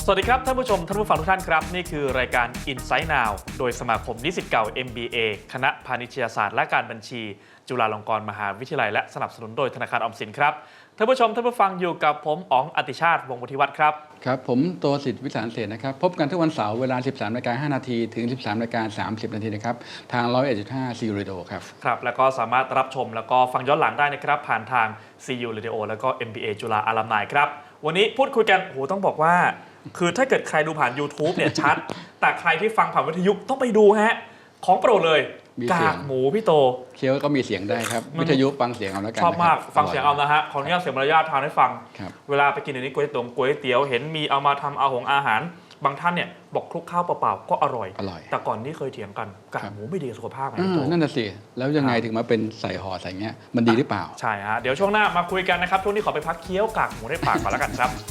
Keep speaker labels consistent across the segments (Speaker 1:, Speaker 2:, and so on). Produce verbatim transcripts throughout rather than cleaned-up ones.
Speaker 1: สวัสดีครับท่านผู้ชมท่านผู้ฟังทุกท่านครับนี่คือรายการ Insight Now โดยสมาคมนิสิตเก่า เอ็ม บี เอ คณะพาณิชยศาสตร์และการบัญชีจุฬาลงกรณ์มหาวิทยาลัยและสนับสนุนโดยธนาคารออมสินครับท่านผู้ชมท่านผู้ฟังอยู่กับผมอ๋องอติชาติวงศ์วุฒิวัฒน์ครับ
Speaker 2: ครับผมโตสิทธิ์วิสารเสนนะครับพบกันทุกวันเสาร์เวลา สิบสามนาฬิกาห้านาทีถึง สิบสามนาฬิกาสามสิบนาทีนะครับทาง หนึ่งร้อยเอ็ดจุดห้า ซี ยู Radio ครับ
Speaker 1: ครับแล้วก็สามารถรับชมแล้วก็ฟังย้อนหลังได้นะครับผ่านทาง ซี ยู Radio แล้วก็ เอ็ม บี เอ จุฬาอลัมไนครับวันนี้พูดคุยกันโอ้โหต้องบอกว่าคือถ้าเกิดใครดูผ่าน YouTube เนี่ยชัดแต่ใครที่ฟังผ่านวิทยุต้องไปดูฮะของโปรดเลยกากหมูพี่โต
Speaker 2: เคี้ยวก็มีเสียงได้ครับวิทยุฟังเสียงเอาแล้วกัน
Speaker 1: ชอบมากฟังเสียงเอานะฮะขออนุญาตเสียงมารยาททานให้ฟังเวลาไปกินในนี้ก๋วยเตี๋ยวก๋วยเตี๋ยวเห็นมีเอามาทำเอาของอาหารบางท่านเนี่ยบอกคลุกข้าวเปล่าๆก็อร่อย
Speaker 2: อร่อยแต่
Speaker 1: ก่อนนี้เคยเถียงกันกากหมูไม่ดีกับสุขภาพไง
Speaker 2: พี่โตนั่นน่ะสิแล้วยังไงถึงมาเป็นใส่ห่อใส่เงี้ยมันดีหรือเปล่า
Speaker 1: ใช่ฮะเดี๋ยวช่วงหน้ามาคุยกันนะครับช่วงนี้ขอไปพักเคี้ยวกากหมูในปากก่อนแล้วกันครับ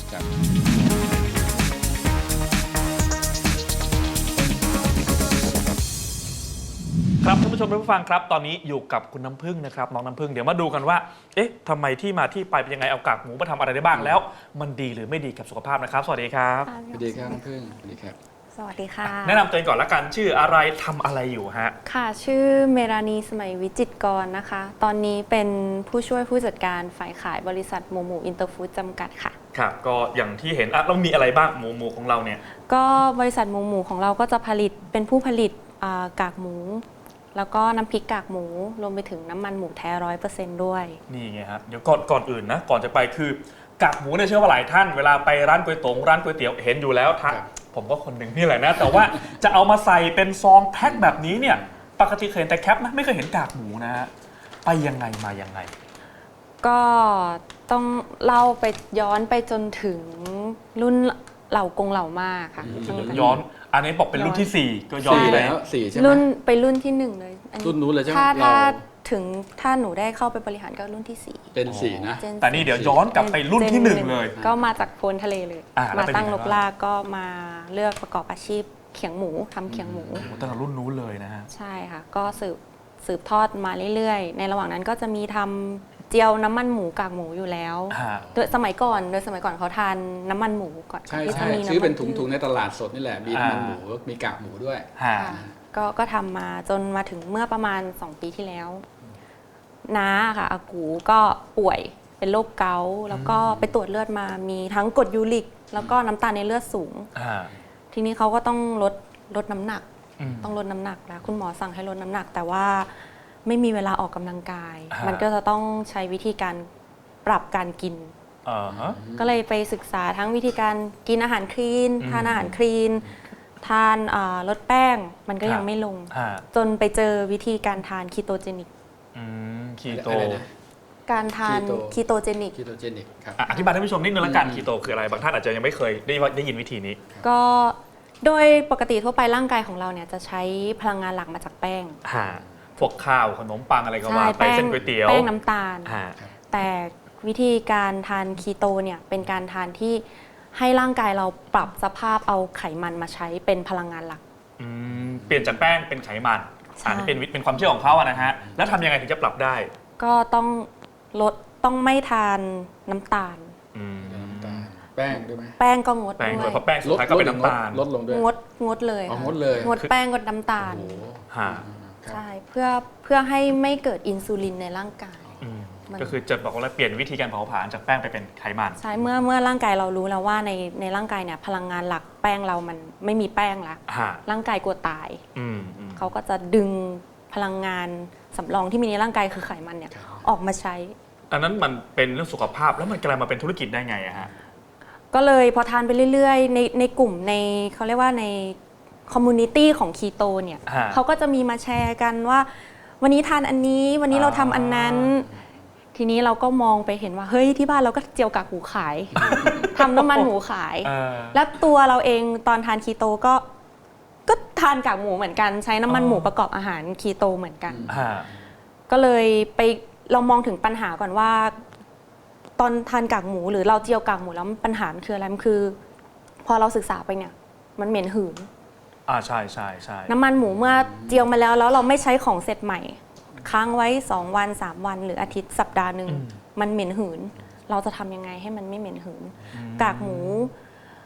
Speaker 1: ครับท่านผู้ชมท่านผู้ฟังครับตอนนี้อยู่กับคุณน้ำพึ่งนะครับน้องน้ำพึ่งเดี๋ยวมาดูกันว่าเอ๊ะทำไมที่มาที่ไปเป็นยังไงเอากากหมูมาทำอะไรได้บ้างแล้วมันดีหรือไม่ดีกับสุขภาพนะครับสวัสดีครับ
Speaker 2: สวัสดีครับน้ำพึ่งสวัสดีครับ
Speaker 3: สวัสดีค่ะ
Speaker 1: แนะนำตัวเองก่อนละกันชื่ออะไรทำอะไรอยู่ฮะ
Speaker 3: ค่ะชื่อเมรานีสมัยวิจิตรกรนะคะตอนนี้เป็นผู้ช่วยผู้จัดการฝ่ายขายบริษัทหมูหมูอินเตอร์ฟู้ดจำกัดค่ะ
Speaker 1: ครับก็อย่างที่เห็นอ่ะเรามีอะไรบ้างหมูหมูของเราเนี่ย
Speaker 3: ก็บริษัทหมูหมูของเราก็จะผลิตเป็นผู้ผลิตกากหมูแล้วก็น้ำพริกกากหมูรวมไปถึงน้ำมันหมูแท้ร้อยเปอร์เซ็นต์ด้วย
Speaker 1: นี่ไงครับเดี๋ยวก่อนก่อนอื่นนะก่อนจะไปคือกากหมูเนี่ยเชื่อว่าหลายท่านเวลาไปร้านก๋วยเตี๋ยวร้านก๋วยเตี๋ยวเห็นอยู่แล้วทักผมก็คนหนึ่งนี่แหละนะแต่ว่าจะเอามาใส่เป็นซองแพ็คแบบนี้เนี่ยปกติเคยเห็นแต่แคปนะไม่เคยเห็นกากหมูนะฮะไปยังไงมายังไง
Speaker 3: ก็ต้องเล่าไปย้อนไปจนถึงรุ่นเหล่ากงเหล่ามาค่ะ
Speaker 1: ย้อนอันนี้บอกเป็นรุ่นที่สี่ก็ย้อนไปแล้ว
Speaker 2: สี่ใช่ไหม
Speaker 3: รุ่นไปรุ่นที่หนึ่งเลย
Speaker 2: รุ่นนู้นเลยใช่ไหม
Speaker 3: ถ้าถ้าถึงถ้าหนูได้เข้าไปบริหารก็รุ่นที่สี่
Speaker 2: เป็นสี่นะ
Speaker 1: แต่นี่เดี๋ยวย้อนกลับไปรุ่นที่หนึ่งเลย
Speaker 3: ก็มาจากโพนทะเลเลยมาตั้งลกลากก็มาเลือกประกอบอาชีพเขียงหมูทำเขียงหมู
Speaker 1: ตั้งแต่รุ่นนู้นเลยนะฮะ
Speaker 3: ใช่ค่ะก็สืบสืบทอดมาเรื่อยๆในระหว่างนั้นก็จะมีทำเจียวน้ำมันหมูกากหมูอยู่แล้วโดยสมัยก่อนโดยสมัยก่อนเขาทานน้ำมันหมูก่อน
Speaker 2: ที่จะมีซื้อเป็นถุงๆในตลาดสดนี่แหละมีน้ำมันหมูมีกากหมูด้วย
Speaker 3: ก็ก็ทำมาจนมาถึงเมื่อประมาณสองปีที่แล้วน้าค่ะอากูก็ป่วยเป็นโรคเกาต์แล้วก็ไปตรวจเลือดมามีทั้งกรดยูริกแล้วก็น้ำตาลในเลือดสูงทีนี้เขาก็ต้องลดลดน้ำหนักต้องลดน้ำหนักแล้วคุณหมอสั่งให้ลดน้ำหนักแต่ว่าไม่มีเวลาออกกำลังกายมันก็จะต้องใช้วิธีการปรับการกินก็เลยไปศึกษาทั้งวิธีการกินอาหารคลีนทานอาหารคลีนทานลดแป้งมันก็ยังไม่ลงจนไปเจอวิธีการทานคีโตเจนิก
Speaker 1: คีโต
Speaker 3: การทานคีโตเจนิก
Speaker 2: คีโตเจนิกครับ
Speaker 1: อธิบายให้ผู้ชมนิดนึงละกันคีโตคืออะไรบางท่านอาจจะยังไม่เคยได้ได้ยินวิธีนี้
Speaker 3: ก็โดยปกติทั่วไปร่างกายของเราเนี่ยจะใช้พลังงานหลักมาจากแป้ง
Speaker 1: พวกข้าวขนมปังอะไรก็ว่าไปเส้นก๋วยเตี๋ยว
Speaker 3: แป้งน้ำตาลแต่วิธีการทานคีโตเนี่ยเป็นการทานที่ให้ร่างกายเราปรับสภาพเอาไขมันมาใช้เป็นพลังงานหลัก
Speaker 1: เปลี่ยนจากแป้งเป็นไขมันอันนี้เป็นเป็นความเชื่อของเขาอะนะฮะแล้วทำยังไงถึงจะปรับได้
Speaker 3: ก็ต้องลดต้องไม่ทานน้ำตาล
Speaker 2: แป้งด้วยไหม
Speaker 3: แป้งก็งด
Speaker 1: ด้วยเพราะแป้งสุดท้ายก็เป็นน้ำตาล
Speaker 2: ลดลงด้วย
Speaker 3: งดงดเลย
Speaker 2: งดเลย
Speaker 3: งดแป้งงดน้ำตาลใช่เพื่อเพื่อให้ไม่เกิดอินซูลินในร่างกาย
Speaker 1: ก็คือจะบอกว่าเปลี่ยนวิธีการเผาผลาญจากแป้งไปเป็นไขมัน
Speaker 3: ใช่เมื่อเมื่อร่างกายเรารู้แล้วว่าในในร่างกายเนี่ยพลังงานหลักแป้งเรามันไม่มีแป้งละร่างกายกลัวตายเขาก็จะดึงพลังงานสำรองที่มีในร่างกายคือไขมันเนี่ยออกมาใช้
Speaker 1: อันนั้นมันเป็นเรื่องสุขภาพแล้วมันกลายมาเป็นธุรกิจได้ไงอะฮะ
Speaker 3: ก็เลยพอทานไปเรื่อยๆในในกลุ่มในเขาเรียกว่าในคอมมูนิตี้ของคีโตเนี่ยเขาก็จะมีมาแชร์กันว่าวันนี้ทานอันนี้วันนี้เราทำอันนั้นทีนี้เราก็มองไปเห็นว่าเฮ้ยที่บ้านเราก็เจียวกากหมูขายทำน้ำมันหมูขายแล้วตัวเราเองตอนทานคีโตก็ก็ทานกากหมูเหมือนกันใช้น้ำมันหมูประกอบอาหารคีโตเหมือนกันก็เลยไปเรามองถึงปัญหาก่อนว่าตอนทานกากหมูหรือเราเจียวกากหมูแล้วปัญหาคืออะไรมันคือพอเราศึกษาไปเนี่ยมันเหม็นหืน
Speaker 1: อ่าใช่ใช่ใช่
Speaker 3: น้ำมันหมูเมื่อเจียวมาแล้วแล้วเราไม่ใช้ของเสร็จใหม่ค้างไว้สองวันสามวันหรืออาทิตย์สัปดาห์หนึ่งมันเหม็นหืนเราจะทำยังไงให้มันไม่เหม็นหืนกากหมู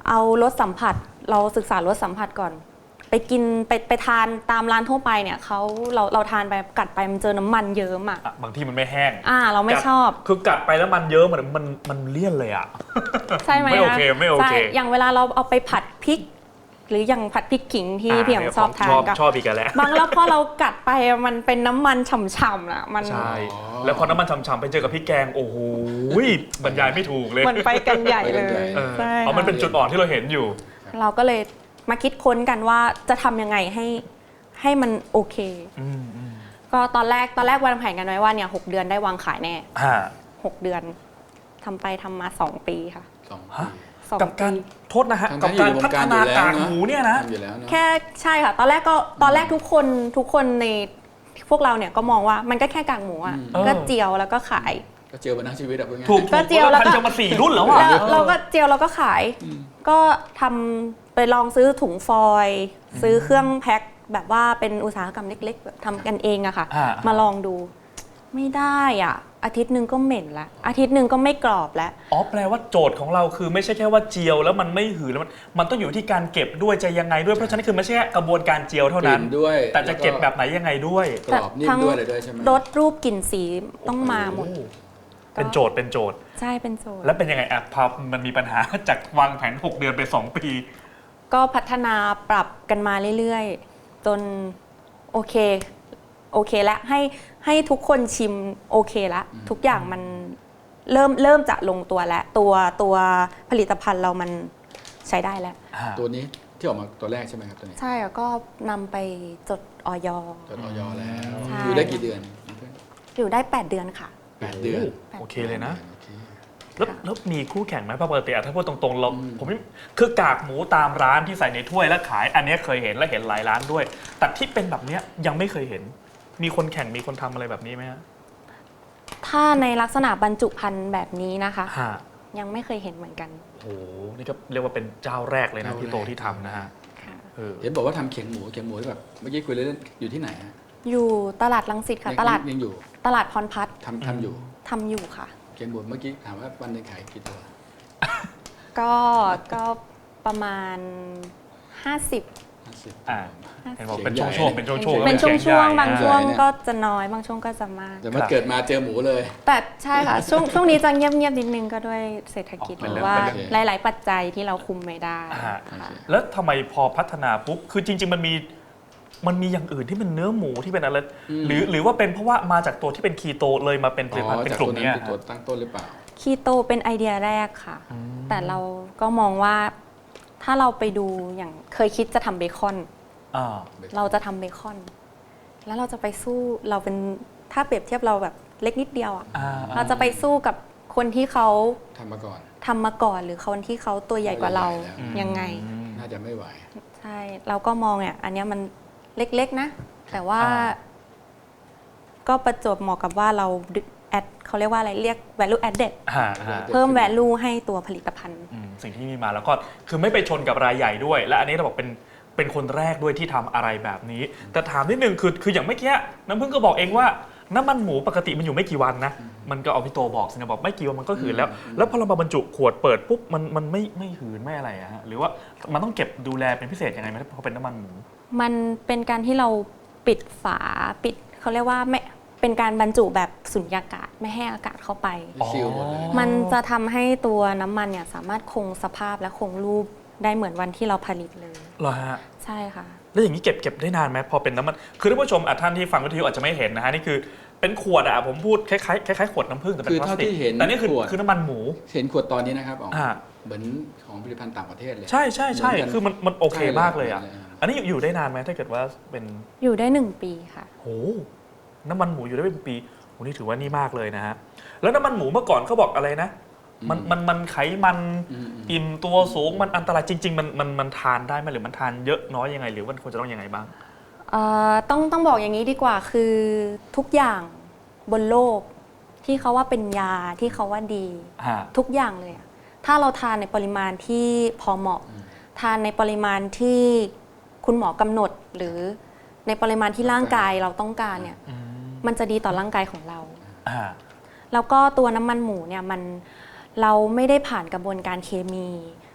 Speaker 3: เอารสสัมผัสเราศึกษารสสัมผัสก่อน ไปกินไปไปทานตามร้านทั่วไปเนี่ยเขาเราเราทานไปกัดไปมันเจอน้ำมันเยิ้มอ่ะ
Speaker 1: อ่ะบางที่มันไม่แห้ง
Speaker 3: อ่าเราไม่
Speaker 1: กัด
Speaker 3: ชอบ
Speaker 1: คือกัดไปแล้วมันเยอะเหมือนมันมันเลี่ยนเลยอ่ะ
Speaker 3: ใช่ไหม
Speaker 1: ไม่โอเคไม่โอเค
Speaker 3: ใช่อย่างเวลาเราเอาไปผัดพริก หรืออย่างผัดพริกขิงที่พี่เหี่ยงชอบทาน
Speaker 1: ชอบ
Speaker 3: ก็
Speaker 1: ชอบอีกแล้ว
Speaker 3: บางแล้วพอเรากัดไปมันเป็นน้ำมันฉ่ำๆนะมัน
Speaker 1: ใช่แล้วพอน้ำมันฉ่ำๆไปเจอกับพริกแกงโอ้โหบรรยายไม่ถูกเลย
Speaker 3: มันไปกันใหญ่เลย
Speaker 1: เออ
Speaker 3: ใช่
Speaker 1: เอามันเป็น
Speaker 3: ค่ะ
Speaker 1: จุดอ่อนที่เราเห็นอยู่
Speaker 3: เราก็เลยมาคิดค้นกันว่าจะทำยังไงให้ให้มันโอเค
Speaker 1: อืมอืม
Speaker 3: ก็ตอนแรกตอนแรกวางแผนกันไว้ว่าเนี่ยหกเดือนได้วางขายแน่
Speaker 1: ฮะ
Speaker 3: หกเดือนทำไปทำมาสองปีค่ะ
Speaker 2: สอง
Speaker 1: ฮะ
Speaker 2: ปี
Speaker 3: สอง
Speaker 1: กับการ
Speaker 3: ปี
Speaker 1: โทษนะฮะ
Speaker 2: ทั้งๆ
Speaker 1: กับการ
Speaker 2: อยู่ในว
Speaker 1: พั
Speaker 2: ง
Speaker 1: ฒ
Speaker 2: การ
Speaker 1: นา
Speaker 2: อยู่แล้ว
Speaker 1: กาก
Speaker 2: เนอะ
Speaker 1: หมูเนี่ยนะ
Speaker 2: ทำอยู่แล้วเนอะ
Speaker 3: แค่ใช่ค่ะ ตอนแรกก็ตอนแรกทุกคนทุกคนในพวกเราเนี่ยก็มองว่ามันก็แค่กากหมูอ่ะ
Speaker 1: อืม
Speaker 3: ก็เจียวแล้วก็ขาย
Speaker 2: ก็เจอมาทั้งชีวิตอะพูดง่าย
Speaker 1: ถูก
Speaker 3: ก็เจียวแล้วก็
Speaker 1: พันจะมาสี่รุ่นแล้วอ่ะ
Speaker 3: แล้วเราก็เจียวเราก็ขาย
Speaker 2: อืม
Speaker 3: ก็ทำไปลองซื้อถุงฟอยล์ซื้อเครื่องแพ็คแบบว่าเป็นอุตสาหกรรมเล็กๆแบบทำกันเองอะค่ะ
Speaker 1: อ่า
Speaker 3: มาลองดู ไม่ได้อ่ะ อาทิตย์หนึ่งก็เหม็นละอาทิตย์หนึ่งก็ไม่กรอบแล้ว
Speaker 1: อ๋อแปลว่าโจทย์ของเราคือไม่ใช่แค่ว่าเจียวแล้วมันไม่หืนแล้วมันมันต้องอยู่ที่การเก็บด้วยจะยังไงด้วยเพราะฉะนั้นคือไม่ใช่แค่กระบวนการเจียวเท่านั้น
Speaker 2: กลิ่นด้วย
Speaker 1: แต่จะเก็บแบบไหนยังไงด้วย
Speaker 2: กรอบนิ่มด้วยเลยด้วยใช่ไหม
Speaker 3: รสรูปกลิ่นสีต้องมาหมด
Speaker 1: โอ้เป็นโจทย์เป็นโจทย์
Speaker 3: ใช่เป็นโจทย์
Speaker 1: แล้วเป็นยังไงอ่ะพอมันมีปัญหา จากวางแผนหกเดือนไปสองปี
Speaker 3: ก็พัฒนาปรับกันมาเรื่อยๆ จนโอเค โอเคแล้วให้ให้ทุกคนชิมโอเคแล้วทุกอย่างมันเริ่มเริ่มจะลงตัวแล้ว ตัวตัวผลิตภัณฑ์เรามันใช้ได้แล้ว
Speaker 2: ตัวนี้ที่ออกมาตัวแรกใช่ไหมครับตัวนี้
Speaker 3: ใช่แล้วก็นำไปจดออย
Speaker 2: จดออยแล้ว
Speaker 3: ใช่
Speaker 2: อยู่ได้กี่เดือน
Speaker 3: อยู่ได้ แปด เดือนค่ะ
Speaker 2: แปดเดือน
Speaker 1: โอเคเลยนะ
Speaker 2: โอเค
Speaker 1: แล้ว
Speaker 3: ค่ะ
Speaker 1: แล้วมีคู่แข่งไหมเพราะปกติอะถ้าพูดตรงๆเรา
Speaker 2: อืม
Speaker 1: ผมไม่คือกากหมูตามร้านที่ใส่ในถ้วยแล้วขาย อันเนี้ยเคยเห็นและเห็นหลายร้านด้วย แต่ที่เป็นแบบเนี้ยยังไม่เคยเห็น มีคนแข่งมีคนทำอะไรแบบนี้ไหมฮะ
Speaker 3: ถ้าในลักษณะบรรจุภัณฑ์แบบนี้นะคะ
Speaker 1: ฮะ
Speaker 3: ยังไม่เคยเห็นเหมือนกัน
Speaker 1: โอ้โหนี่ก็เรียกว่าเป็นเจ้าแรกเลยนะที่โตที่ทำนะฮะ
Speaker 3: ค่ะ
Speaker 1: เออ
Speaker 2: เห็นบอกว่าทำเขียงหมูเขียงหมูที่แบบเมื่อกี้คุยเล่นๆอยู่ที่ไหนฮะ
Speaker 3: อยู่ตลาดรังสิตค่ะ
Speaker 2: ยัง
Speaker 3: ตลาด
Speaker 2: ยังอยู่
Speaker 3: ตลาดพรพัฒน์
Speaker 2: ทำทำอยู่
Speaker 3: ทำอยู่ค่ะ
Speaker 2: เขียงหมูเมื่อกี้ถามว่าวันหนึงขายกี่ตัว
Speaker 3: ก็ก็ประมาณ ห้าสิบ
Speaker 2: ห้าสิบ
Speaker 1: อ่า เห็นบอกเป็น
Speaker 2: เขียงใหญ่
Speaker 1: ช่วงๆเป็นช่วงๆ
Speaker 3: เป็นช่วง
Speaker 1: ขีย
Speaker 3: ช่วง
Speaker 1: ใหญ่
Speaker 3: บางช่วง
Speaker 2: ใหญ่เนี่ย
Speaker 3: ก็จะน้อยบางช่วงก็จะมาก
Speaker 2: แต่เมื่อเกิดมาเจอหมูเลย
Speaker 3: แต่ใช่ค่ะ ช่วงช่วงนี้จะเงียบเงียบๆนิดนึงก็ด้วยเศรษฐกิจ
Speaker 1: อ๋อ
Speaker 3: ห
Speaker 1: เป็น
Speaker 3: รือ
Speaker 1: เรื่อง
Speaker 3: ว่า
Speaker 1: เป็นเรื่อง
Speaker 3: หลาย ๆ ปัจจัยที่เราคุมไม่ได้
Speaker 1: อ่า
Speaker 3: ค่ะ
Speaker 1: แล้วทำไมพอพัฒนาปุ๊บ คือจริง ๆ มันมี มันมีอย่างอื่นที่เป็นเนื้อหมูที่เป็นอะไร
Speaker 2: อืม
Speaker 1: หรือหรือว่าเป็นเพราะว่ามาจากตัวที่เป็นคีโตเลยมาเป็นผลิตภัณฑ์เป็น
Speaker 2: จาก
Speaker 1: กลุ่ม
Speaker 2: ตัวนั้
Speaker 1: เนี้ย
Speaker 2: นเป็นตัวตั้งต้นหรือเปล่า
Speaker 3: คีโตเป็นไอเดียแรกค่ะ
Speaker 1: อืม
Speaker 3: แต่เราก็มองว่าถ้าเราไปดูอย่างเคยคิดจะทำเบคอน
Speaker 1: อ่า
Speaker 3: เราจะทำเบคอน แล้วเราจะไปสู้เราเป็นถ้าเปรียบเทียบเราแบบเล็กนิดเดียวอะ
Speaker 1: อ่า
Speaker 3: เราจะไปสู้กับคนที่เขา
Speaker 2: ทำมาก่อน
Speaker 3: ทำมาก่อนหรือคนที่เขาตัวใหญ่กว่าเรา
Speaker 2: ตัวใหญ่แล้ว
Speaker 3: ยังไง
Speaker 1: อืม
Speaker 2: น่าจะไม่ไหว
Speaker 3: ใช่ เราก็มองเนี่ยอันเนี้ยมันเล็กๆนะ แต่ว่า
Speaker 1: อ่า
Speaker 3: ก็ประจวบเหมาะกับว่าเราแอดเขาเรียกว่าอะไรเรียก value added
Speaker 1: อ่าอ่า
Speaker 3: เพิ่ม value ให้ตัวผลิตภัณฑ์
Speaker 1: อืมสิ่งที่มีมาแล้วก็คือไม่ไปชนกับรายใหญ่ด้วย และอันนี้เราบอกเป็นเป็นคนแรกด้วยที่ทำอะไรแบบนี้ แต่ถามนิดนึงคือคืออย่างเมื่อกี้น้ำพึ่งก็บอกเองว่าน้ำมันหมูปกติมันอยู่ไม่กี่วันนะ มันก็เอาพี่โตบอกสินะบอกไม่กี่วันมันก็หืนแล้ว แล้วพอเรามาบรรจุขวดเปิดปุ๊บมันมันไม่ไม่หืนไม่อะไรอะฮะหรือว่ามันต้องเก็บดูแลเป็นพิเศษยังไงไหมเพราะเป็นน้ำมันหมู
Speaker 3: มันเป็นการที่เราปิดฝาปิดเขาเรียกว่าไม่เป็นการบรรจุแบบสุญญากาศไม่ให้อากาศเข้าไป
Speaker 2: ซีลหมดเลย
Speaker 3: มันจะทำให้ตัวน้ำมันเนี่ยสามารถคงสภาพและคงรูปได้เหมือนวันที่เราผลิตเลย
Speaker 1: เหรอฮะ
Speaker 3: ใช่ค่ะ
Speaker 1: แล้วอย่างนี้เก็บเก็บได้นานไหมพอเป็นน้ำมันคือท่านผู้ชมอ่ะท่านที่ฟังวิทยุอาจจะไม่เห็นนะฮะนี่คือเป็นขวดอะผมพูดคล้ายๆคล้ายๆขวดน้ำผึ้งแต่เป็น
Speaker 2: คือ
Speaker 1: พลาส
Speaker 2: เท่า
Speaker 1: ติก
Speaker 2: ที่เห็น
Speaker 1: แต่นี่คือ
Speaker 2: ขวด
Speaker 1: คือน้ำมันหมู
Speaker 2: เห็นขวดตอนนี้นะครับอ๋อ
Speaker 1: อ่า
Speaker 2: เหมือนของผลิตภัณฑ์ต่างประเทศเลย
Speaker 1: ใช่ใช่ใช่
Speaker 2: เหมือนกัน
Speaker 1: คือมันมันโอเค
Speaker 2: ใช่เลย
Speaker 1: มากเลยอ่ะ
Speaker 2: เหมือนเลย
Speaker 1: อันนี้อยู่ได้นานไหมถ้าเกิดว่าเป็น
Speaker 3: อยู่ได้หนึ่งปีค่ะ
Speaker 1: โหน้ำมันหมูอยู่ได้เป็นปีโหนี่ถือว่านี่มากเลยนะฮะแล้วน้ำมันหมูเมื่อก่อนเขาบอกอะไรนะมันมันมันไขมัน
Speaker 2: อืมอืม
Speaker 1: อิ่มตัวสูงมันอันตรายจริง ๆ มันมันมันทานได้ไหมหรือมันทานเยอะน้อยยังไงหรือว่าควรจะต้องยังไงบ้าง
Speaker 3: เอ่อต้องต้องบอกอย่างนี้ดีกว่าคือทุกอย่างบนโลกที่เขาว่าเป็นยาที่เขาว่าดี
Speaker 1: ฮะ
Speaker 3: ทุกอย่างเลยอะถ้าเราทานในปริมาณที่พอเหมาะ ทานในปริมาณที่คุณหมอกำหนด หรือในปริมาณที่ร่างกายเราต้องการเนี่ย
Speaker 1: อืม
Speaker 3: มันจะดีต่อร่างกายของเรา
Speaker 1: อ่า
Speaker 3: แล้วก็ตัวน้ำมันหมูเนี่ยมันเราไม่ได้ผ่านกระบวนการเคมี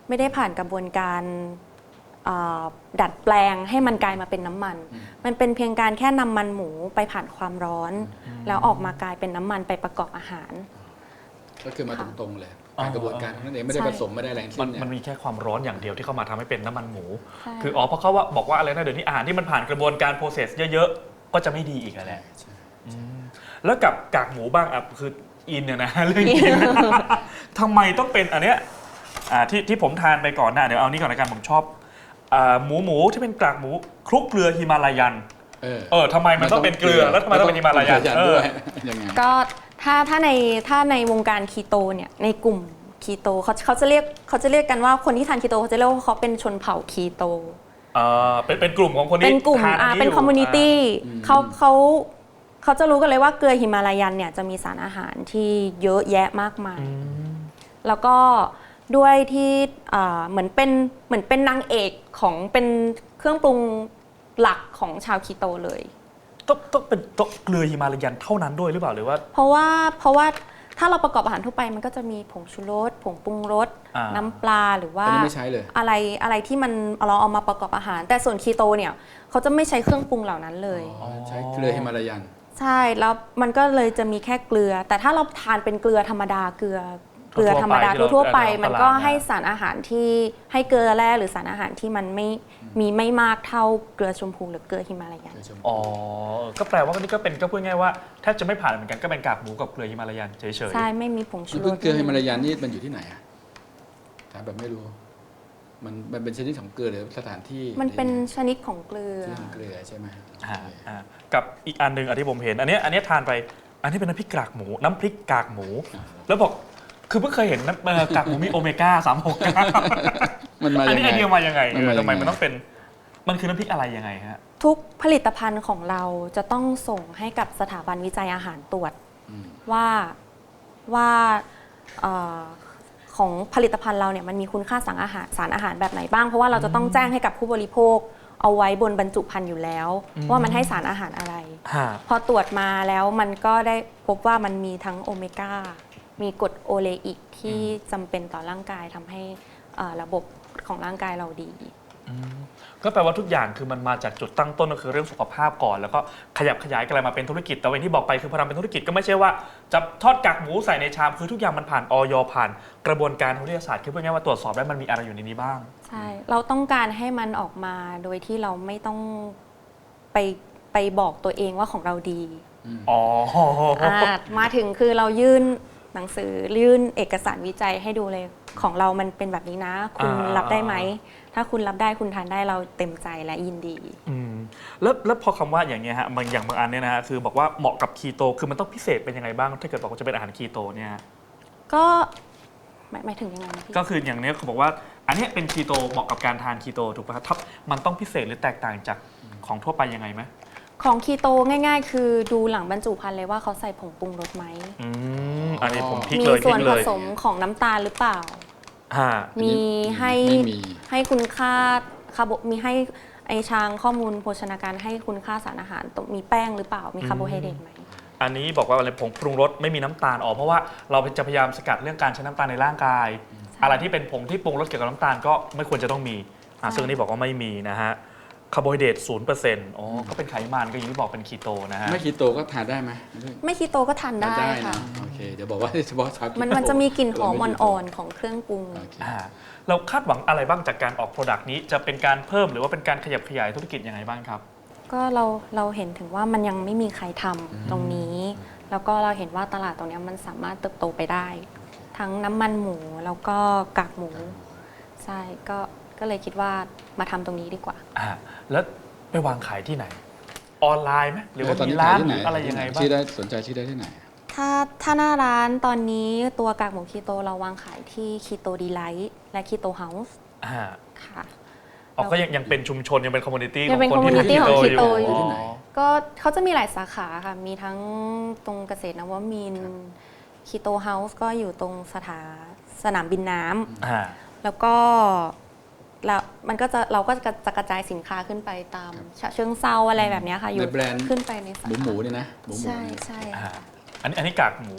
Speaker 3: ไม่ได้ผ่านกระบวนการดัดแปลงให้มันกลายมาเป็นน้ำมัน มันเป็นเพียงการแค่นำมันหมูไปผ่านความร้อน แล้วออกมากลายเป็นน้ำมันไปประกอบอาหาร
Speaker 2: ก็คือมาตรงๆเลยผ่านกระบวนการนั้นเองไม่ได้ผสมไม่ได้แรงสิ้
Speaker 1: มัน
Speaker 2: นเนี่ย
Speaker 1: มันมีแค่ความร้อนอย่างเดียวที่เข้ามาทำให้เป็นน้ำมันหมู
Speaker 3: ใช่
Speaker 1: คืออ๋อเพราะเขาว่าบอกว่าอะไรนะเดี๋ยวนี้อาหารที่มันผ่านกระบวนการโปรเซสเยอะๆก็จะไม่ดีอีกแล้วแหละอืมแล้วกับกากหมูบ้างอ่ะคืออินเนี่ยนะ เรื่องกิน ทำไมต้องเป็นอันเนี้ยอ่าที่ที่ผมทานไปก่อนหน้าเดี๋ยวเอานี้ก่อนละกันผมชอบอ่าหมูหมูที่เป็นกากหมูคลุกเกลือฮิมาลายัน
Speaker 2: เออ
Speaker 1: เออทำไมมันต้องเป็นเกลือแล้วทำไมต้องเป็นฮิมาลายัน
Speaker 2: ต้
Speaker 1: เอ
Speaker 2: ด้
Speaker 1: อ
Speaker 2: วยยังไง
Speaker 3: ก็ถ้าถ้าในถ้าในวงการคีโตเนี่ยในกลุ่มคีโตเขาเขาจะเรียกเขาจะเรียกกันว่าคนที่ทานคีโตเขาจะเรียกว่าเขาเป็นชนเผ่าคีโต
Speaker 1: เออเป็นเป็นกลุ่มของคนที่
Speaker 3: เป็นกลุ่ม
Speaker 1: ทาน
Speaker 3: อ่า
Speaker 1: อั
Speaker 3: เป็น
Speaker 1: ยู่
Speaker 3: คอมมูนิตี้
Speaker 2: อืม
Speaker 3: เขาเขาเขาจะรู้กันเลยว่าเกลือฮิมาลายันเนี่ยจะมีสารอาหารที่เยอะแยะมากมาย
Speaker 1: อืม
Speaker 3: แล้วก็ด้วยที่อ่าเหมือนเป็นเหมือนเป็นนางเอกของเป็นเครื่องปรุงหลักของชาวคีโตเลย
Speaker 1: ต้องต้องเป็นต้องเกลือฮิมาลายันเท่านั้นด้วยหรือเปล่าหรือว่า
Speaker 3: เพราะว่าเพราะว่าถ้าเราประกอบอาหารทั่วไปมันก็จะมีผงชูรสผงปรุงรส
Speaker 1: อ่า
Speaker 3: น้ำปลาหรือว่า
Speaker 2: อันนี้ไม่ใช้เลย
Speaker 3: อะไรอะไรที่มันเราเอามาประกอบอาหาร แต่ส่วนคีโตเนี่ยเขาจะไม่ใช้เครื่องปรุงเหล่านั้นเลย
Speaker 2: อ๋อใช้เกลือฮิมาลายัน
Speaker 3: ใช่แล้วมันก็เลยจะมีแค่เกลือ แต่ถ้าเราทานเป็นเกลือธรรมดาเกลือเกลือธรรมดาทั่วๆไป มันก็ให้สารอาหารที่ให้เกลือแร่หรือสารอาหารที่มันไม่มีไม่มากเท่าเกลือชมพูหรือเกลือฮิมาลายัน
Speaker 1: อ๋อ ก็แปลว่านี่ก็เป็นก็พูดง่ายว่าแทบจะไม่ผ่านเหมือนกันก็เป็นกากหมูกับเกลือฮิมาลายันเฉยๆ
Speaker 3: ใช่ไม่มีผงชู
Speaker 2: แล้ว
Speaker 3: ร
Speaker 2: เพิ่ง
Speaker 3: ส
Speaker 2: เกลือฮิมาลายันนี่มันอยู่ที่ไหนอะถามแบบไม่รู้ มันมันเป็นชนิดของเกลือหรือสถานที่
Speaker 3: มันเป็นชนิดของเกลือ
Speaker 2: ที่ของเกลือใช่ไหม
Speaker 1: อ่าอ่ากับอีกอันหนึ่งอันที่ผมเห็น อันเนี้ยอันเนี้ยทานไป อันนี้เป็นน้ำพริกกากหมู น้ำพริกกากหมู แล้วบอกคือเพิ่งเคยเห็นน้ำเอ่อกากหมูมีโอเมก้าสามหก
Speaker 2: มันมา
Speaker 1: อัน
Speaker 2: ยัง
Speaker 1: นี้
Speaker 2: ไง
Speaker 1: ไอเดียมายังไง
Speaker 2: มันมา
Speaker 1: เออทำไม
Speaker 2: ยังไง
Speaker 1: มันต้องเป็นมันคือน้ำพริกอะไรยังไงฮะ
Speaker 3: ทุกผลิตภัณฑ์ของเราจะต้องส่งให้กับสถาบันวิจัยอาหารตรวจ
Speaker 2: อืม
Speaker 3: ว่าว่าเอ่อของผลิตภัณฑ์เราเนี่ยมันมีคุณค่าสารอาหารสารอาหารแบบไหนบ้าง เพราะว่าเราจะต้องแจ้งให้กับผู้บริโภคเอาไว้บนบรรจุภัณฑ์อยู่แล้ว
Speaker 1: อืม
Speaker 3: ว่ามันให้สารอาหารอะไร
Speaker 1: ฮะ
Speaker 3: พอตรวจมาแล้วมันก็ได้พบว่ามันมีทั้งโอเมก้ามีกรดโอเลอิกที่จำเป็นต่อร่างกายทำให้เอ่อระบบของร่างกายเราดี
Speaker 1: อืมก็แปลว่าทุกอย่างคือมันมาจากจุดตั้งต้นก็คือเรื่องสุขภาพก่อน แล้วก็ขยับขยายกันมาเป็นธุรกิจแต่วันที่บอกไปคือพอทำเป็นธุรกิจก็ไม่ใช่ว่าจะทอดกากหมูใส่ในชามคือทุกอย่างมันผ่านออยผ่านกระบวนการทางวิทยาศาสตร์คือพูดง่ายๆว่าตรวจสอบได้มันมีอะไรอยู่ในนี้บ้าง
Speaker 3: ใช่ เราต้องการให้มันออกมาโดยที่เราไม่ต้องไปไปบอกตัวเองว่าของเราดี
Speaker 1: อ๋อ
Speaker 3: อ่ามาถึงคือเรายื่นหนังสือยื่นเอกสารวิจัยให้ดูเลยของเรามันเป็นแบบนี้นะ คุณ
Speaker 1: อ่า
Speaker 3: รับได้ไหม ถ้าคุณรับได้คุณทานได้เราเต็มใจและยินดี
Speaker 1: อืมแล้วแล้วพอคำว่าอย่างเงี้ยฮะบางอย่างบางอันเนี่ยนะฮะคือบอกว่าเหมาะกับคีโตคือมันต้องพิเศษเป็นยังไงบ้างถ้าเกิดบอกว่าจะเป็นอาหารคีโตเนี่ยฮะ
Speaker 3: ก็หมายหมายถึงยังไงนะพี่
Speaker 1: ก็คืออย่างเนี้ยเขาบอกว่าอันเนี้ยเป็นคีโตเหมาะกับการทานคีโตถูกป่ะครับมันต้องพิเศษหรือแตกต่างจากของทั่วไปยังไงไหม
Speaker 3: ของคีโตง่ายๆ คือดูหลังบรรจุภัณฑ์เลยว่าเขาใส่ผงปรุงรสไหม
Speaker 1: อืมอันนี้ผมพลิก
Speaker 3: มี
Speaker 1: เลยพ
Speaker 3: ส่
Speaker 1: ลิ
Speaker 3: วน
Speaker 1: ก
Speaker 3: ผ
Speaker 1: เลย
Speaker 3: สมของน้ำตาลหรือเปล่า
Speaker 1: ฮะ
Speaker 3: มีให้
Speaker 2: ไม่มี
Speaker 3: ให้คุณค่าคาร์โบมีให้ไอชางข้อมูลโภชนาการให้คุณค่าสารอาหารตรงมีแป้งหรือเปล่า มีคาร์โบไฮเดรตไหม
Speaker 1: อันนี้บอกว่าอะไรผงปรุงรสไม่มีน้ำตาลออกเพราะว่าเราจะพยายามสกัดเรื่องการใช้น้ำตาลในร่างกาย อะไรที่เป็นผงที่ปรุงรสเกี่ยวกับน้ำตาลก็ไม่ควรจะต้องมีอ่ะ
Speaker 3: ใช่
Speaker 1: ซึ่งอันนี้บอกว่าไม่มีนะฮะคาร์โบไฮเดรตศูนย์เปอร์เซ็นต์อ๋อก็เป็นไขมันก็อย่างที่บอกเป็นคีโตนะฮะ
Speaker 2: ไม่คีโตก็ทานได้ไหม
Speaker 3: ไม่คีโตก็ทานได้
Speaker 2: ทาน
Speaker 3: ค่ะ
Speaker 2: นะโอเคเดี๋ยวบอกว่าเฉพาะชาวคีโต
Speaker 3: มันมันจะมีกลิ่นหอมอ่อนๆของเครื่องปรุง
Speaker 2: โอเค
Speaker 1: อ่าเราคาดหวังอะไรบ้างจากการออกโปรดักต์นี้จะเป็นการเพิ่มหรือว่าเป็นการขยับขยายธุรกิจยังไงบ้างครับ
Speaker 3: ก็เราเราเห็นถึงว่ามันยังไม่มีใครทำตรงนี้ แล้วก็เราเห็นว่าตลาดตรงเนี้ยมันสามารถเติบโตไปได้ ทั้งน้ำมันหมูแล้วก็กากหมู ใช่ก็ก็เลยคิดว่ามาทำตรงนี้ดีกว่า
Speaker 1: อ่าแล้วไปวางขายที่ไหน ออนไลน์ไหมหรือว่า
Speaker 2: ตอน
Speaker 1: มี
Speaker 2: นี้
Speaker 1: ร้าน
Speaker 2: ขยที่
Speaker 1: ห
Speaker 2: ไห
Speaker 1: รืออะไรยังไงบ้าง
Speaker 2: ชื่อได้สนใจชื่อได้ที่ไหน
Speaker 3: ถ้าถ้าหน้าร้านตอนนี้ตัวกากหมูคีโตเราวางขายที่คีโตดีไลท์และคีโตเฮาส์
Speaker 1: อ่า
Speaker 3: ค่ะ
Speaker 1: อ๋อก็ยังยังเป็นชุมชนยังเป็นคอมมูนิตี้
Speaker 3: ยังเป็น
Speaker 1: ของคนที่
Speaker 3: community ของ
Speaker 1: คีโต
Speaker 3: Keto
Speaker 2: อยู่ที่ไหน
Speaker 3: ก็เขาจะมีหลายสาขาค่ะ มีทั้งตรงเกษตรนวมินทร์คีโตเฮาส์ก็อยู่ตรงสถาสนามบินน้ำ
Speaker 1: อ่า
Speaker 3: แล้วก็แล้วมันก็จะเราก็จะจะกระจายสินค้าขึ้นไปตามฉะเชิงเซาอะไรแบบเนี้ยค่ะ อยู่
Speaker 2: ในแบรนด์
Speaker 3: ขึ้นไปในสา
Speaker 2: หมู
Speaker 3: ขา
Speaker 2: หมูนี่นะหมูหมู
Speaker 3: ใช่
Speaker 2: นี่
Speaker 3: ใช่
Speaker 1: อ่า
Speaker 3: ค่ะ
Speaker 1: อันนี้อันนี้กากหมู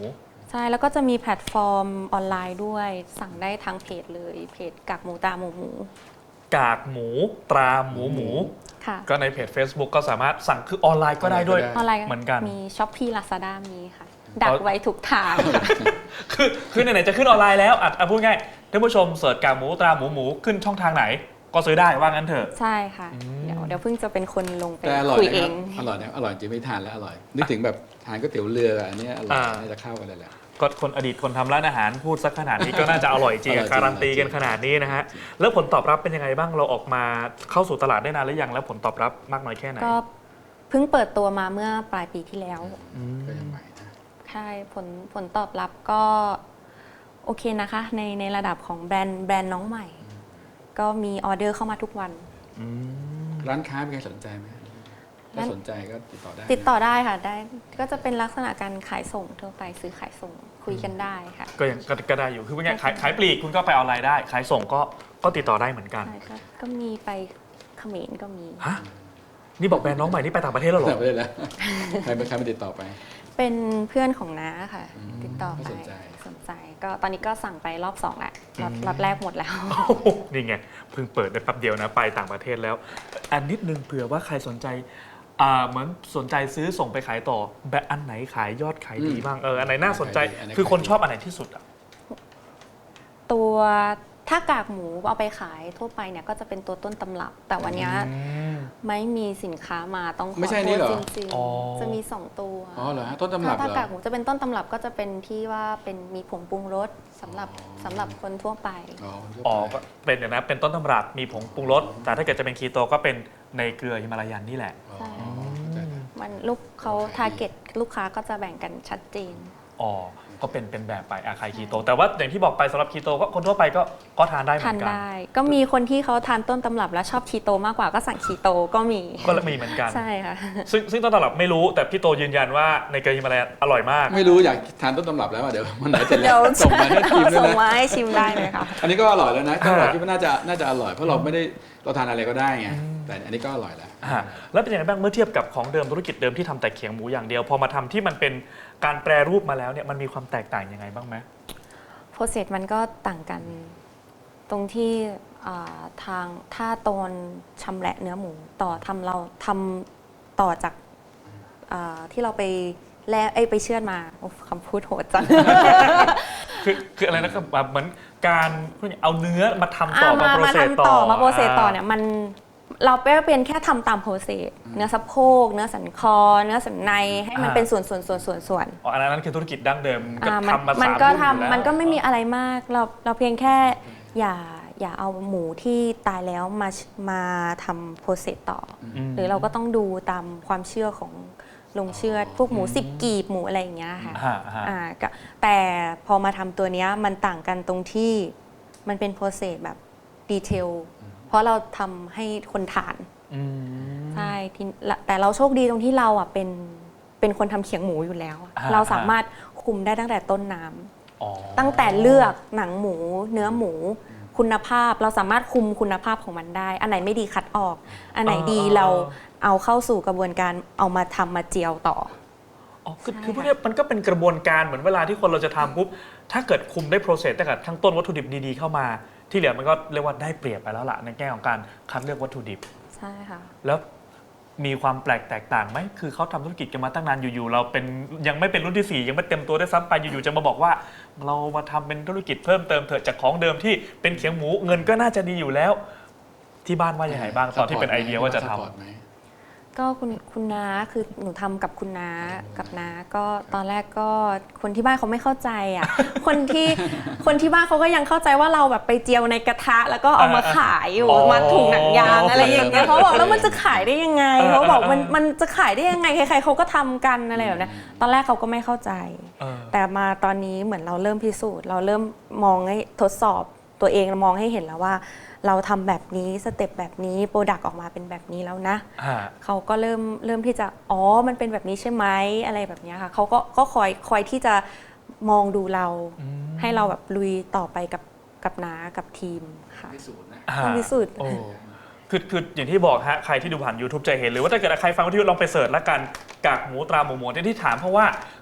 Speaker 3: ใช่แล้วก็จะมีแพลตฟอร์มออนไลน์ด้วยสั่งได้ทางเพจเลยเพจกากหมูตาหมูหมู
Speaker 1: กากหมูตราหมูหมู
Speaker 3: ค่ะ
Speaker 1: ก็ในเพจ Facebook ก็สามารถสั่งคือออนไลน์ก็ได้ด้วย
Speaker 2: อ
Speaker 3: ออนไลน์
Speaker 1: เหมือนกัน
Speaker 3: มีช้อปปี้ลาซาด้ามีค่ะ ดักไว้ทุกทางค่ะ
Speaker 1: คือคือไหนๆจะขึ้นออนไลน์แล้วอ่ะอ่ะพูดง่ายท่านผู้ชมเสิร์ชกากหมูตราหมูหมูขึ้นช่องทางไหน ก็ซื้อได้ว่างั้นเถอะ
Speaker 3: ใช่ค่ะ เดี๋ยวเดี๋ยวเพิ่งจะเป็นคนลงไป
Speaker 2: แต่อร่อย
Speaker 3: คุย
Speaker 2: นะ
Speaker 3: เอ
Speaker 2: ครับ
Speaker 3: ง
Speaker 2: อร่อยนะอร่อยจริงไม่ทานแล้วอร่อยนึกถึงแบบทานก๋วยเตี๋ยวเรืออันนี้อร่อย
Speaker 1: อ่า
Speaker 2: น่าจะเข้ากันเลยแหละ
Speaker 1: ก็คนอดีตคนทำร้านอาหารพูดสักขนาดนี้ก็น่าจะอร่อยจริง
Speaker 2: อร่อยจริง
Speaker 1: การันตีกันขนาดนี้นะฮะแล้วผลตอบรับเป็นยังไงบ้างเราออกมาเข้าสู่ตลาดได้นานหรือยังแล้วผลตอบรับมากน้อยแค่ไหน
Speaker 3: ก็เพิ่งเปิดตัวมาเมื่อปลายปีที่แล้ว
Speaker 2: ก็ยังใหม่นะ
Speaker 3: ใช่ผลผลตอบรับก็โอเคนะคะ ในในระดับของแบรนด์แบรนด์น้องใหม่ ก็มีออเดอร์เข้ามาทุกวัน
Speaker 1: อืม
Speaker 2: ร้านค้าเป็นใครสนใจไหมถ้า
Speaker 3: ร้าน
Speaker 2: สนใจก็ติดต่อได้
Speaker 3: ติดต่อได้ค่ะได้ก็จะเป็นลักษณะการขายส่งทั่วไปซื้อขายส่งคุยกันได้ค่ะ
Speaker 1: ก็ยังก็ก็ได้อยู่คือเป็นไงขายขายปลีกคุณก็ไปออนไลน์ได้ ขายส่งก็ก็ติดต่อได้เหมือนกัน
Speaker 3: ใช่ก็ก็มีไปเขมรก็มี
Speaker 1: ฮะนี่บอกแบรนด์น้องใหม่นี่ไปต่างประเทศแล้วเหร
Speaker 2: แต่
Speaker 1: อ
Speaker 2: ไม่ได้แล้วใครเป็นใครมาติดต่อไป
Speaker 3: เป็นเพื่อนของน้าค่ะ
Speaker 2: อืม
Speaker 3: ติดต่อไป
Speaker 2: สนใจ
Speaker 3: สนใจก็ตอนนี้ก็สั่งไปรอบสองแล้วรอบรอบแรกหมดแล้ว
Speaker 1: โอ้โหนี่ไงเพิ่งเปิดได้แป๊บเดียวนะไปต่างประเทศแล้ว อันนิดนึงเผื่อว่าใครสนใจอ่าเหมือนสนใจซื้อส่งไปขายต่อแบบอันไหนขายยอดขายดีบ้างเอออันไหนน่าสนใจ
Speaker 2: อันไหนขายดี
Speaker 1: คือคนชอบอันไหนที่สุดอ่ะ
Speaker 3: ตัวถ้ากากหมูเอาไปขายทั่วไปเนี่ยก็จะเป็นตัวต้นตำรับ แต่วันเนี้ยไม่มีสินค้ามาต้องขอ
Speaker 2: ไม่ใช่
Speaker 3: โท
Speaker 2: นี่
Speaker 3: ษ
Speaker 2: เหรอ
Speaker 3: จริง
Speaker 1: อ๋อ
Speaker 3: ๆจะมีสองตัว
Speaker 2: อ๋อเหรอฮะต้นตำรับ
Speaker 3: ถ้า
Speaker 2: เหร
Speaker 3: ถ้ากา
Speaker 2: อก
Speaker 3: หมูจะเป็นต้นตำรับก็จะเป็นที่ว่าเป็นมีผงปรุงรสสำหรับ
Speaker 2: อ๋อ
Speaker 3: สำหรับคนทั่วไป
Speaker 2: อ๋อ
Speaker 1: อ๋อก็เป็นอย่างนั้นเป็นต้นตำรับมีผงปรุงรสแต่ถ้าเกิดจะเป็นคีโตก็เป็นในเกลือฮิมาลายันนี่แหละ
Speaker 2: อ๋อ
Speaker 3: ใช่
Speaker 2: เข้าใจแล้ว
Speaker 3: มันลูกเขาทาร์เก็ตลูกค้าก็จะแบ่งกันชัดเจน
Speaker 1: อ๋อก็เป็นเป็นแบบไปอาคายคีโต แต่ว่าอย่างที่บอกไปสำหรับคีโตก็คนทั่วไปก็ก็ทานได้เหมื
Speaker 3: ทา
Speaker 1: อน นกัน
Speaker 3: ได้ ก็มีคนที่เขาทานต้นตำรับแล้วชอบคีโตมากกว่าก็สั่งคีโตก็มี
Speaker 1: ก็มีเหมือนกัน
Speaker 3: ใช่ค่ะ
Speaker 1: ซึ่งซึ่งต้นตำรับไม่รู้แต่พี่โตยืนยันว่าในเกลือฮิมาลายันอร่อยมาก
Speaker 2: ไม่รู้อยากทานต้นตำรับแล้วอะเดี๋ยวมันไหนเสร็จแล้
Speaker 3: เดี๋ยว ว
Speaker 2: ส่งมาให้ทีมด้วย
Speaker 3: ส่ง
Speaker 2: นะ
Speaker 3: มาให้ชิมได้เลยค่ะ
Speaker 2: อันนี้ก็อร่อยแล้วนะ
Speaker 1: อ่า
Speaker 2: ตำรับคิดว่าน่าจะน่าจะอร่อยเพราะเราไม่ได้เราทานอะไรก็ได้ไงแต่อันนี้ก็อร่อยแล้ว
Speaker 1: อ่าแล้วเป็นยังไงบ้างเมื่อเทียบกับของเดิมธุรกิจเดิมที่ทำแต่เขียงหมูอย่างเดียว พอมาทำที่มันเป็นการแปรรูปมาแล้วเนี่ยมันมีความแตกต่างยังไงบ้างไหม
Speaker 3: โปรเซสมันก็ต่างกันตรงที่อ่าทางถ้าตอนชำแหละเนื้อหมูต่อทำเราทำต่อจากอ่าที่เราไปแล่เอ้ยไปเชือดมาโอ้คำพูดโหดจัง
Speaker 1: คือคืออะไรนะครับแบบเหมือนการเอาเนื้อมาทำต่อ
Speaker 3: อ่ะ
Speaker 1: มาโปร
Speaker 3: มา
Speaker 1: เซส
Speaker 3: ทำ
Speaker 1: ต่
Speaker 3: ต่
Speaker 1: อ
Speaker 3: อมาโปรเซสต่อเนี่ยมันเราเป็นแค่ทำตามโปรเซสเนื้อสะโพกเนื้อสันคอ เนื้อสันในให้มันเป็นส่วนส่วนส่วนส่วนส่วน
Speaker 1: อ๋ออันนั้นคือธุรกิจดั้งเดิมก็
Speaker 3: อ่ามัน
Speaker 1: ทำมาสาม
Speaker 3: มันก็
Speaker 1: รุ่นอยู่
Speaker 3: ทำ
Speaker 1: แล้ว
Speaker 3: มันก็ไม่มีอะไรมากเราเราเพียงแค่อย่าอย่าเอาหมูที่ตายแล้วมามาทำโปรเซสต่ออ
Speaker 1: ม
Speaker 3: หรือเราก็ต้องดูตามความเชื่อของลงเชื่อดพวกหมูสิบกีบหมูอะไรอย่างเงี้ยค่ะ
Speaker 1: ฮะฮะ
Speaker 3: อ่าก็แต่พอมาทำตัวเนี้ยมันต่างกันตรงที่มันเป็นโปรเซสแบบดีเทลเพราะเราทำให้คนทาน
Speaker 1: อืม
Speaker 3: ใช่ที่ละแต่เราโชคดีตรงที่เราอ่ะเป็นเป็นคนทำเขียงหมูอยู่แล้วอะ
Speaker 1: อ่า
Speaker 3: เราสามารถคุมได้ตั้งแต่ต้นน้ำ
Speaker 1: อ๋อ
Speaker 3: ตั้งแต่เลือกหนังหมู เนื้อหมู คุณภาพเราสามารถคุมคุณภาพของมันได้ อันไหนไม่ดีคัดออก อันไหนดีเราเอาเข้าสู่กระบวนการเอามาทำมาเจียวต่อ
Speaker 1: อ๋อคือ
Speaker 3: ใช่
Speaker 1: คือพวกเนี้ยมันก็เป็นกระบวนการเหมือนเวลาที่คนเราจะทำปุ๊บถ้าเกิดคุมได้โปรเซสตั้งแต่ทั้งต้นวัตถุดิบดีๆเข้ามาที่เหลือมันก็เรียกว่าได้เปรียบไปแล้วล่ะในแง่ของการคัดเลือกวัตถุดิบ
Speaker 3: ใช่ค่ะ
Speaker 1: แล้วมีความแปลกแตกต่างไหมคือเขาทำธุรกิจกันมาตั้งนานอยู่ๆเราเป็นยังไม่เป็นรุ่นที่สี่ยังไม่เต็มตัวได้วยซ้ำไปอยู่ๆจะมาบอกว่า เรามาทำเป็นธุรกิจเพิ่มเติมเถอะจากของเดิมที่เป็นเขียงหมูเงินก็น่าจะดีอยู่แล้ว ที่บ้านว่ายังไงบ้างตอนที่เป็นไอเดียว่าจะทำ
Speaker 2: ซัพพอร์ตไหม
Speaker 3: ก็คุณคุณน้าคือหนูทำกับคุณน้ากับน้าก็ตอนแรกก็คนที่บ้านเขาไม่เข้าใจอ่ะ คนที่คนที่บ้านเขาก็ยังเข้าใจว่าเราแบบไปเจียวในกระทะ แล้วก็เอามาขายอยู่
Speaker 1: อ๋อ
Speaker 3: มาถุงหนังยางอะไรอย่างเงี้ยเขาบอกแล้วมันจะขายได้ยังไง
Speaker 1: เออ
Speaker 3: เขาบอก
Speaker 1: เออ
Speaker 3: มันมันจะขายได้ยังไงใครๆเขาก็ทำกันอะไรแบบเนี้ยตอนแรกเขาก็ไม่เข้าใจ
Speaker 1: เออ
Speaker 3: แต่มาตอนนี้เหมือนเราเริ่มพิสูจน์ เราเริ่มมองให้ทดสอบตัวเองมองให้เห็นแล้วว่า เราทำแบบนี้สเต็ปแบบนี้โปรดักต์ออกมาเป็นแบบนี้แล้วนะ
Speaker 1: ฮะ
Speaker 3: เขาก็เริ่มเริ่มที่จะอ๋อมันเป็นแบบนี้ใช่ไหมอะไรแบบเนี้ยค่ะเขาก็ก็คอยคอยที่จะมองดูเรา
Speaker 1: อืม
Speaker 3: ให้เราแบบลุยต่อไปกับกับน้ากับทีมค่ะ
Speaker 2: พิสูจน์นะ
Speaker 1: อ่า
Speaker 3: ต้องพิสูจน์
Speaker 1: โอ้คือคืออย่างที่บอกฮะใครที่ดูผ่าน YouTube จะเห็นหรือว่าถ้าเกิดใครฟังวิทยุลองไปเสิร์ชแล้วกันกากหมูตราหมูหมูที่ที่ถามเพราะว่า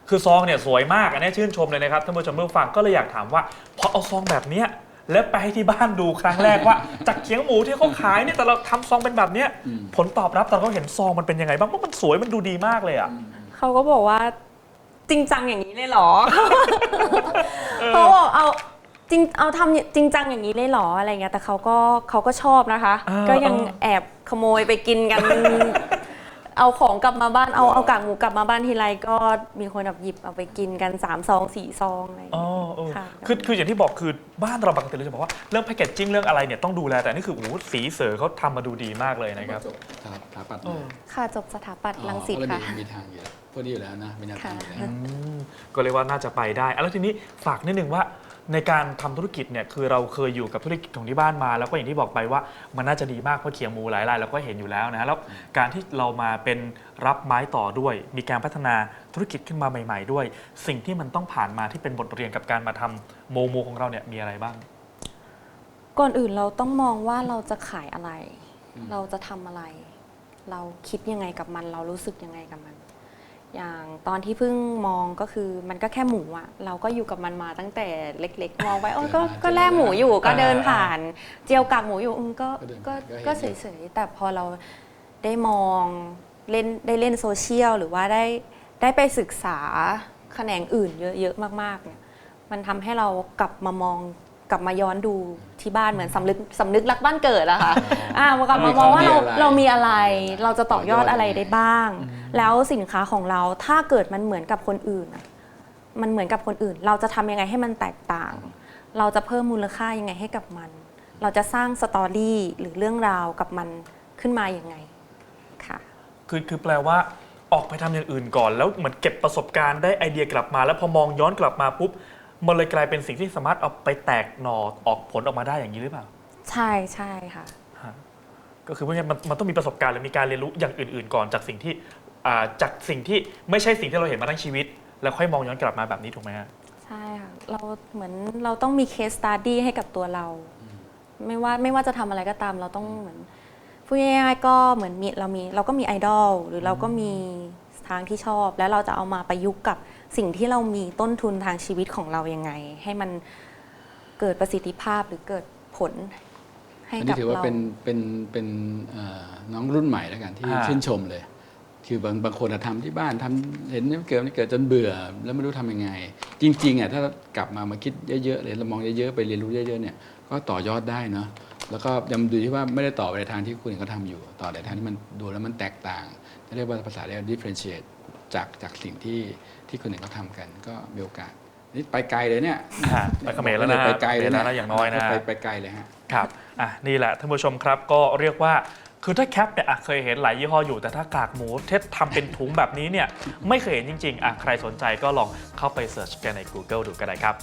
Speaker 1: คือซองเนี่ยสวยมากอันนี้ชื่นชมเลยนะครับท่านผู้ชมผู้ฟังก็เลยอยากถามว่าพอเอาซองแบบเนี้ยแล้วไปให้ที่บ้านดูครั้งแรกว่า จากเขียงหมูที่เขาขายเนี่ยแต่เราทำซองเป็นแบบเนี้ยผลตอบรับตอนเขาเห็นซองมันเป็นยังไงบ้างว่ามันสวยมันดูดีมากเลยอ่ะ
Speaker 3: เขาก็บอกว่าจริงจังอย่างนี้เลยเหรอ เขาบอกเอาจริงเอาทำจริงจังอย่างนี้เลยเหรออะไรเงี้ยแต่เขาก็เขาก็ชอบนะคะ
Speaker 1: เออ
Speaker 3: ก็ยัง
Speaker 1: เออ
Speaker 3: แอบขโมยไปกินกัน เอาของกลับมาบ้านเอาเอากากหมูกลับมาบ้านทีไรก็มีคนแบบหยิบเอาไปกินกันสามซองสี่ซองอะไรอย่าง
Speaker 1: อ๋อ
Speaker 3: เงี้ย
Speaker 1: เออ
Speaker 3: ค่ะ
Speaker 1: คือคืออย่างที่บอกคือบ้านเราปกติเราจะบอกว่าเรื่องแพคเกจจิ้งเรื่องอะไรเนี่ยต้องดูแลแต่นี่คือโอ้โหสีเสือเขาทำมาดูดีมากเลยนะครับ
Speaker 2: สถาปัตย์
Speaker 1: เออ
Speaker 3: ค่ะจบสถาปัตย์รังสิต
Speaker 2: อ๋อก็เลย
Speaker 3: ค่ะ
Speaker 2: มีมีทางอยู่แล้วพวกนี้อยู่แล้วนะมีแนวทางอยู่แล้ว
Speaker 3: ค่ะ
Speaker 1: อืมก็เรียกว่าน่าจะไปได้อ่ะแล้วทีนี้ฝากนิดนึงว่าในการทำธุรกิจเนี่ยคือเราเคยอยู่กับธุรกิจของที่บ้านมา แล้วก็อย่างที่บอกไปว่ามันน่าจะดีมากเพราะเขียงหมูหลายรายเราก็เห็นอยู่แล้วนะแล้วการที่เรามาเป็นรับไม้ต่อด้วย มีการพัฒนาธุรกิจขึ้นมาใหม่ ๆ ด้วย สิ่งที่มันต้องผ่านมาที่เป็นบทเรียนกับการมาทำโมโมของเราเนี่ยมีอะไรบ้าง
Speaker 3: ก่อนอื่นเราต้องมองว่าเราจะขายอะไร
Speaker 2: อืม
Speaker 3: เราจะทำอะไร เราคิดยังไงกับมัน เรารู้สึกยังไงกับมัน อย่างตอนที่เพิ่งมองก็คือมันก็แค่หมูอะเราก็อยู่กับมันมาตั้งแต่เล็ก ๆ มองไปโอ้ยก็ก็แล่หมูอยู่ก็เดินผ่าน เจียวกากหมูอยู่อืมก็ก็ก็เฉยๆแต่พอเราได้มองเล่นได้เล่นโซเชียลหรือว่าได้ได้ไปศึกษาแขนงอื่นเยอะๆมากๆเนี่ยมันทำให้เรากลับมามองกลับมาย้อนดูที่บ้านเหมือนสำนึกสำนึกรักบ้านเกิดอะค่ะอ่ากลับมามองว่าเราเรามีอะไร เราจะต่อยอดอะไรได้บ้าง แล้วสินค้าของเราถ้าเกิดมันเหมือนกับคนอื่นอะมันเหมือนกับคนอื่น เราจะทำยังไงให้มันแตกต่าง เราจะเพิ่มมูลค่ายังไงให้กับมัน เราจะสร้างสตอรี่หรือเรื่องราวกับมันขึ้นมาอย่างไงค่ะ
Speaker 1: คือคือแปลว่าออกไปทำอย่างอื่นก่อน แล้วเหมือนเก็บประสบการณ์ได้ไอเดียกลับมา แล้วพอมองย้อนกลับมาปุ๊บมันเลยกลายเป็นสิ่งที่สามารถเอาไปแตกหน่อออกผลออกมาได้อย่างนี้หรือเปล่า
Speaker 3: ใช่ใช่ค่ะ
Speaker 1: ฮะก็คือว่ามันมันต้องมีประสบการณ์หรือมีการเรียนรู้อย่างอื่น ๆ ก่อนจากสิ่งที่อ่าจากสิ่งที่ไม่ใช่สิ่งที่เราเห็นมาทั้งชีวิต แล้วค่อยมองย้อนกลับมาแบบนี้ถูกไหมฮะ
Speaker 3: ใช่ค่ะ เราเหมือนเราต้องมีเคสสตัดดี้ให้กับตัวเรา ไม่ว่าไม่ว่าจะทำอะไรก็ตามเราต้องเหมือนพูดง่ายๆก็เหมือนมีเรามีเราก็มีไอดอลหรือเราก็มีทางที่ชอบ แล้วเราจะเอามาประยุกต์กับสิ่งที่เรามีต้นทุนทางชีวิตของเรายังไง ให้มันเกิดประสิทธิภาพหรือเกิดผลให้
Speaker 2: อัน
Speaker 3: กั
Speaker 2: นี้
Speaker 3: บ
Speaker 2: ถือว่า
Speaker 3: เรา
Speaker 2: เป็นเป็นเป็นเอ่อน้องรุ่นใหม่แล้วกันที่
Speaker 1: อ่า
Speaker 2: ชื่นชมเลย คือบางบางคนอะทำที่บ้านทำเห็นเกิดนี่เกิดจนเบื่อ แล้วไม่รู้ทำยังไง จริงๆอ่ะถ้ากลับมามาคิดเยอะๆเลยเรามองเยอะๆไปเรียนรู้เยอะๆเนี่ยก็ต่อยอดได้เนาะแล้วก็ยังดูที่ว่าไม่ได้ต่อไปในทางที่คุณเขาทำอยู่ ต่อในทางที่มันดูแล้วมันแตกต่างเรียกว่าภาษาเรียก differentiate จากจากสิ่งที่ที่คนอื่นเขาทำกัน ก็มีโอกาสนี่ไปไกลเลยเนี่ย
Speaker 1: ฮะไปเขมรแล้วนะ
Speaker 2: ไปไกลเลย
Speaker 1: ไปแล้วนะอย่างน้อยนะ
Speaker 2: ไปไปไกลเลยฮะ
Speaker 1: ครับอ่ะนี่แหละท่านผู้ชมครับก็เรียกว่าคือถ้าแคปเนี่ยอ่ะเคยเห็นหลายยี่ห้ออยู่แต่ถ้ากากหมูเทสทำเป็นถุงแบบนี้เนี่ยไม่เคยเห็นจริงๆอ่ะใครสนใจก็ลองเข้าไปเสิร์ชกันใน Google ดูก็ได้ครับ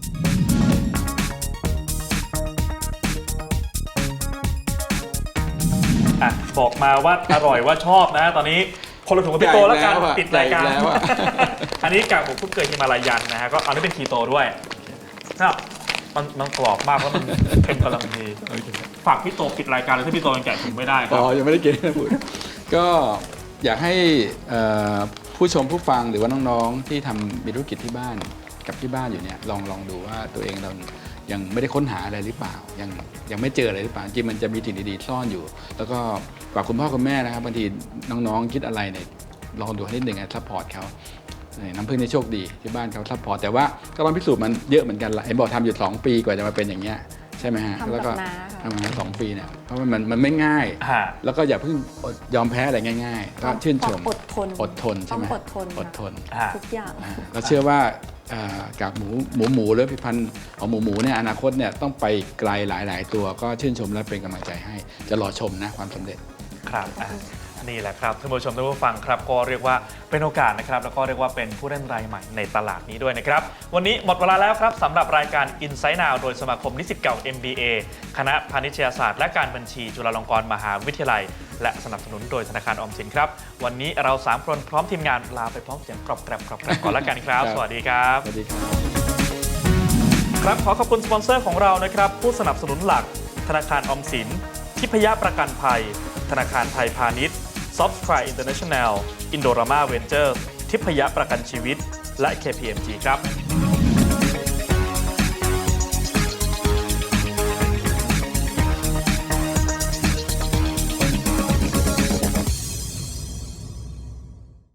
Speaker 1: อ่ะบอกมาว่าอร่อยว่าชอบนะ ตอนนี้คนละถุงกับพี่โตแล้วกัน
Speaker 2: ใหญ่แล้วอะ
Speaker 1: ปิดรายการ
Speaker 2: ใหญ่แล้วอะ
Speaker 1: อันนี้กากหมูคุกเกยฮิมาลายันนะฮะก็อันนี้เป็นคีโตด้วยนะมันมันกรอบมากแล้วมันเค็มกำลังดีฝากพี่โตปิดรายการเลยถ้าพี่โตยังแกะถุงไม่ได้ค
Speaker 2: อ๋
Speaker 1: รับ
Speaker 2: อยังไม่ได้กินนะพูด ก็อยากให้เอ่อผู้ชมผู้ฟังหรือว่าน้องๆที่ทำมีธุรกิจที่บ้านกับที่บ้านอยู่เนี่ยลองลองดูว่าตัวเองเรายังไม่ได้ค้นหาอะไรหรือเปล่า ยังยังไม่เจออะไรหรือเปล่าจริงมันจะมีสิ่งดีๆซ่อนอยู่ แล้วก็ฝากคุณพ่อคุณแม่นะครับบางทีน้องๆคิดอะไรเนี่ยลองดูให้นิดหนึ่งซัพพอร์ตเขาเนี่ยน้ำพึ่งในโชคดีที่บ้านเขาซัพพอร์ตแต่ว่าก็ต้องพิสูจน์มันเยอะเหมือนกันละเห็นบอกทำอยู่สองปีกว่าจะมาเป็นอย่างเงี้ยใช่ไหมฮะ
Speaker 3: ทำกับ
Speaker 2: แล้วก็
Speaker 3: น้าค่ะ
Speaker 2: ทำมาสองปีเนี่ยเพราะว่ามันมันไม่ง่าย
Speaker 1: ฮะ
Speaker 2: แล้วก็อย่าเพิ่งอดยอมแพ้อะไรง่ายๆ ก็ชื่นชม
Speaker 3: อดทน
Speaker 2: อดทนใช่ไหม
Speaker 3: ต้องอดทน
Speaker 2: อดทน
Speaker 1: ฮะ
Speaker 3: ทุกอย่าง
Speaker 2: อ่าเราเชื่อว่าอ่ากากหมูหมูหมูหรือผลิตภัณฑ์ของหมูหมูเนี่ยอนาคตเนี่ยต้องไปไกลหลาย ๆ ตัวก็ชื่นชมและเป็นกำลังใจให้ จะรอชมนะความสำเร็จ
Speaker 1: ครับอ่ะนี่แหละครับท่านผู้ชมท่านผู้ฟังครับก็เรียกว่าเป็นโอกาสนะครับแล้วก็เรียกว่าเป็นผู้เล่นรายใหม่ในตลาดนี้ด้วยนะครับวันนี้หมดเวลาแล้วครับสำหรับรายการ Insight Now โดยสมาคมนิสิตเก่า เอ็ม บี เอ คณะพาณิชยศาสตร์และการบัญชีจุฬาลงกรณ์มหาวิทยาลัย และสนับสนุนโดยธนาคารออมสินครับวันนี้เราสามคนพร้อมทีมงานลาไปพร้อมเสียงกรอบแกรบกรอบแกรบก่อนละกันครับ
Speaker 2: ครับ
Speaker 1: สวัสดีครับ
Speaker 2: สวัสดีครับ
Speaker 1: ครับขอขอบคุณสปอนเซอร์ของเรานะครับผู้สนับสนุนหลักธนาคารออมสินทิพยประกันภัยธนาคารไทยพาณิชย์ Softcry International Indorama Ventures ทิพยประกันชีวิตและ เค พี เอ็ม จี ครับ